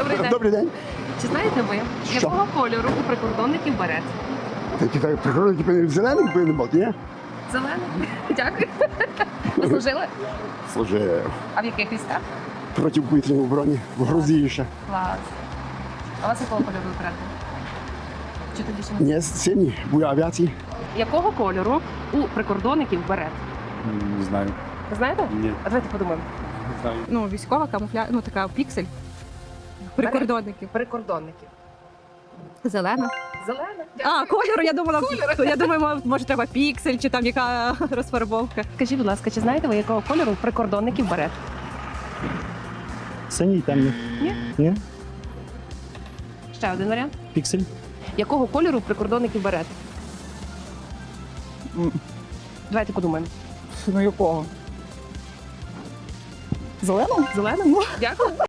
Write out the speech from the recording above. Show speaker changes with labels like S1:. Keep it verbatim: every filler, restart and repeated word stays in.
S1: Добрий день.
S2: Добрий день.
S1: Чи знаєте ви,
S2: Що?
S1: якого кольору у прикордонників берет?
S2: Такі так прикордонники повинні зеленим повинні бути, ні?
S1: Зелений. Дякую. Ви служили?
S2: Служив
S1: А в яких військах?
S2: протиповітряній обороні, в Грузії ще.
S1: Клас. А у вас якого кольору берет? Чи тоді ще не?
S2: Ні, сині, були авіації.
S1: Якого кольору у прикордонників берет?
S3: Не знаю.
S1: Ви знаєте?
S3: Ні.
S1: А давайте подумаємо.
S3: Не знаю.
S4: Ну, військова камуфля, ну така піксель. Прикордонників.
S1: Прикордонників.
S4: Зелена.
S1: Зелена.
S4: А, кольору, я думала, то я думаю, може треба піксель чи там яка розфарбовка.
S1: Скажіть, будь ласка, чи знаєте ви, якого кольору у прикордонників берет?
S5: Синій темний.
S1: Ні.
S5: Ні?
S1: Ще один варіант.
S5: Піксель.
S1: Якого кольору у прикордонників берет? Давайте подумаємо.
S4: Ну якого? Зеленого?
S1: Зеленого? Дякую.